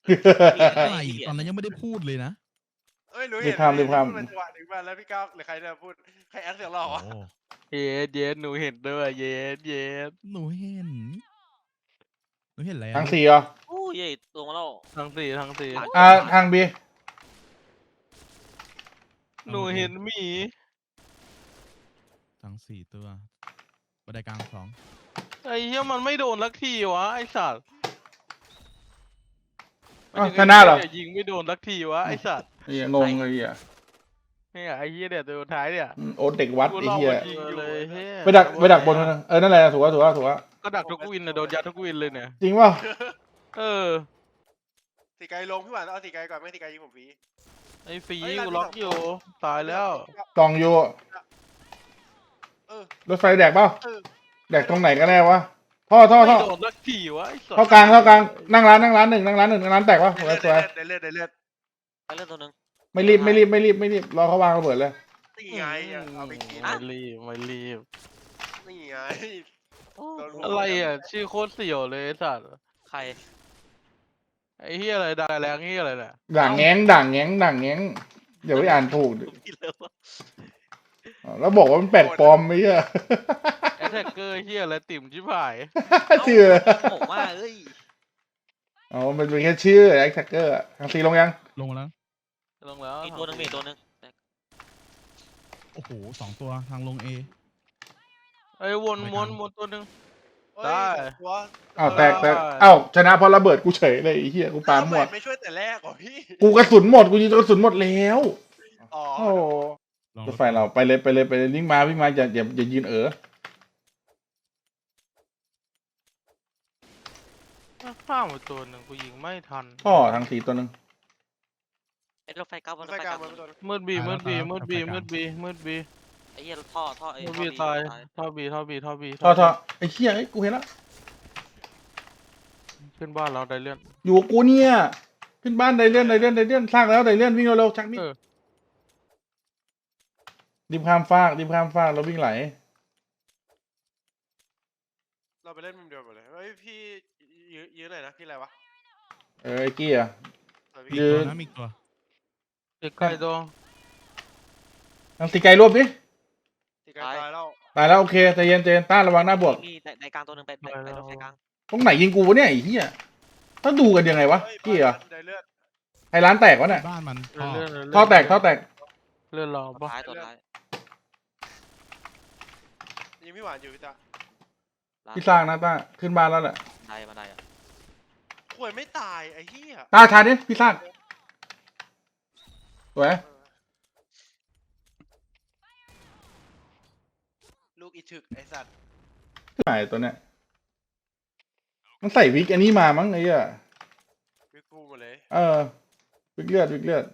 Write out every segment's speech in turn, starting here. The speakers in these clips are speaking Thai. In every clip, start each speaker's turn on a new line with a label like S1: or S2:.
S1: อะไรตอนนั้นยังไม่ได้พูดเลยนะ
S2: เอ้ยหนู
S3: รี
S2: เห็
S3: บ
S2: น
S3: ข้ามรีบข้าม
S2: พูดมาจังหวะหนึ่งมาแล้วพี่ก้าวหรือใครเนี่ยพูดใครแอคเสียงหล่อ
S1: โอ้
S2: วะ
S4: เย็ดหนูเห็นด้วยเย็ด
S1: หนูเห็นอะไร
S3: ทาง
S1: อะ
S3: สี่เหรอ
S5: โอ้ยลงมาแล้ว
S4: ทั้งสี่
S3: ทางบี
S4: หนูเห็นหมี
S1: ทั้ง4 ตัวบันไดกลาง2
S4: ไอ้เหี้ยมันไม่โดนลักทีวะไอ้สัตว์
S3: ชนะเหรอ
S4: ยิงไม่โดนลักทีวะไอ้สัตว์
S3: ไอ้เหี้ยงงเลยอ่ะ
S4: เนี่ยไอ้เหี้ยเนี่ยตัวสุดท้ายเนี่ย
S3: โอ้เด็กวัดไอ้เหี้ย
S4: ยิงอยู่เลยเฮ้ย
S3: ไปดักบนนั่นนะนั่นแหละถูกว่า
S4: ก็ดักทุกวินนะโดนยัดทุกวินเลยเนี่ย
S3: จริงเปล่า
S4: เออ
S2: ตีไกลลงพี่หวานเอาตีไกลก่อนไม่ตีไกลยิงผมฟรี
S4: ไอ้ฝี
S2: เฮ้ย
S4: กูล็อกอยู่ตายแล้ว
S3: กองอยู่
S2: เออ
S3: รถไฟแดกเปล่า
S2: เออ
S3: แดกตรงไหนกันแน่วะท่อ
S4: ไม่โดนลักทีวะไอ้สัตว์
S3: ท่อกลางนั่งร้านหนึ่งนั่งร้านแตกวะสวย
S2: ได้เลือด
S5: ไปเล่นตัวหนึ่ง
S3: ไม่รีบรอเขาวางระเบิดเลย
S2: นี่ไงเอาไปกิน
S4: ไม่รีบ
S2: นี่ไง
S5: โอ้
S2: โดนหัว
S4: อะไรอ่ะชื่อโคตรเสี่ยวเลยไอ้สัตว์
S5: ใคร
S4: ไอ้เหี้ยอะไรดาแรงเหี้ยอะไรเนี่ย
S3: ด่างแง้งเดี๋ยวไปอ่านถูก
S5: พี่เลิฟวะ
S3: แล้วบอกว่ามันแปลกปลอมไม่ใช่
S4: แอทแทกเกอร์เหี้ยอะไรติ่มชิบหาย
S3: ชื่อ
S5: โง่มากเอ้ย
S3: อ๋อมันเป็นแค่ชื่อแอคแท็กเกอร์ทางซีลงยัง
S1: ลงมาแล้ว
S4: ลงแล้ว
S5: มีตัวหนึ่งมีตัวหนึ่ง
S1: โอ้โห2 ตัวทางลง A
S4: ไอ้วนตัวหนึ่ง ได้
S2: ตัว
S3: อ้าวแตกอ้าวชนะเพราะระเบิดกูเฉยเลยไอ้เหี้ยกูปาหมด
S2: ไม่ช่วยแต่แรกเหรอพี่
S3: กูกระสุนหมดกูยิงกระสุนหมดแล้ว
S2: อ๋อ
S3: โอ้
S1: ลอง
S3: รถไฟเราไปเลยวิ่งมาอย่ายืน
S4: ข้ามไปตัวหนึ่งกูยิงไม่ทัน
S3: ท่อทางสีตัวหนึ่ง
S5: ไอ้รถไฟเก้ารถ
S2: ไฟ
S5: ไฟ
S2: กลาง
S5: เก้า
S2: มันตัว
S4: มืดบี
S5: ไอ้เหี้ยท่อไอ้
S4: มืดบีตายท่อบี
S3: ท่อไอ้เหี้ยกูเห็นแล้ว
S4: ขึ้นบ้านเราได้เลื่อน
S3: อยู่กับกูเนี่ยขึ้นบ้านไดเลื่อนสร้างแล้วไดเลื่อนวิ่งเร็วๆชักมีด
S4: เออ
S3: ริมข้ามฟากแล้ววิ่งไหล
S2: เราไปเล่นมุมเดียวหมดเลยเฮ้ยพี่ยื้อหน่อยนะพี่อะไรวะ
S3: ไอ้กี้อ่ะ
S1: มีตัวนะมีตัว
S4: เด็กไก่ตัว
S3: ทางสีไกลรวบดิ
S2: ตีไกลตายแล้ว
S3: ตายแล้วโอเคใจเย็นต้านระวังหน้าบวก
S5: มีในกลางตัวหนึ่งไปรถไฟกลาง
S3: ตรงไหนยิงกูวะเนี่ยไอ้เหี้ยต้องดูกันยังไงวะกี้เหรอ
S2: ได้เลือด
S3: ไอ้ร้านแตกวะเนี่ย
S1: บ้านมัน
S3: ท่อแตก
S4: เลื่อนเรา
S5: ตัว
S4: ปะ
S5: ท้ายตัวท้าย
S2: ยิงพี่หวานอยู่พี่ตา
S3: พี่สร้างนะต้าขึ้นบ้านแล้วแหละ
S5: บันไดอ่ะ
S2: ข่วยไม่ตายไอ้เหี้ย
S3: ต้าทานดิพี่สร้างสวย
S2: ลูกอีถึกไอ้สัตว์
S3: ไหนตัวเนี้ยมันใส่วิกอันนี้มามั้งไอ้เหี้ย
S2: วิกูหมดเลย
S3: วิกเลือด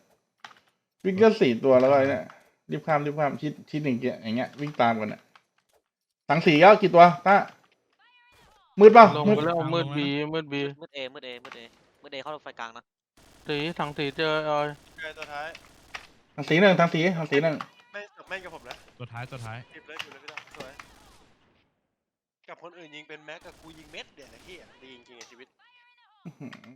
S3: 4 ตัวแล้วก็ไอ้เนี่ยรีบข้ามชิดหนึ่งอย่างเงี้ยวิ่งตามกันอ่ะถังสีก็กี่ตัวต้ามืดเปล่า
S4: ลง
S3: มืด
S4: ไปแล้วมืดบี
S5: มืดเอเข้ารถไฟกลางนะ
S4: ทางตีเจอเอ้ย
S2: ไกลตัวท้าย
S3: ถังสีหนึ่ง
S2: ไม่จบแม่งกับผมนะ
S1: ตัวท้าย
S2: เก็บเลยพี่ตาสวยกับคนอื่นยิงเป็นแม็กกับกูยิงเม็ดเดี๋ยวไอ้เหี้ยดีจริงๆในชีวิต
S3: อื้อหือ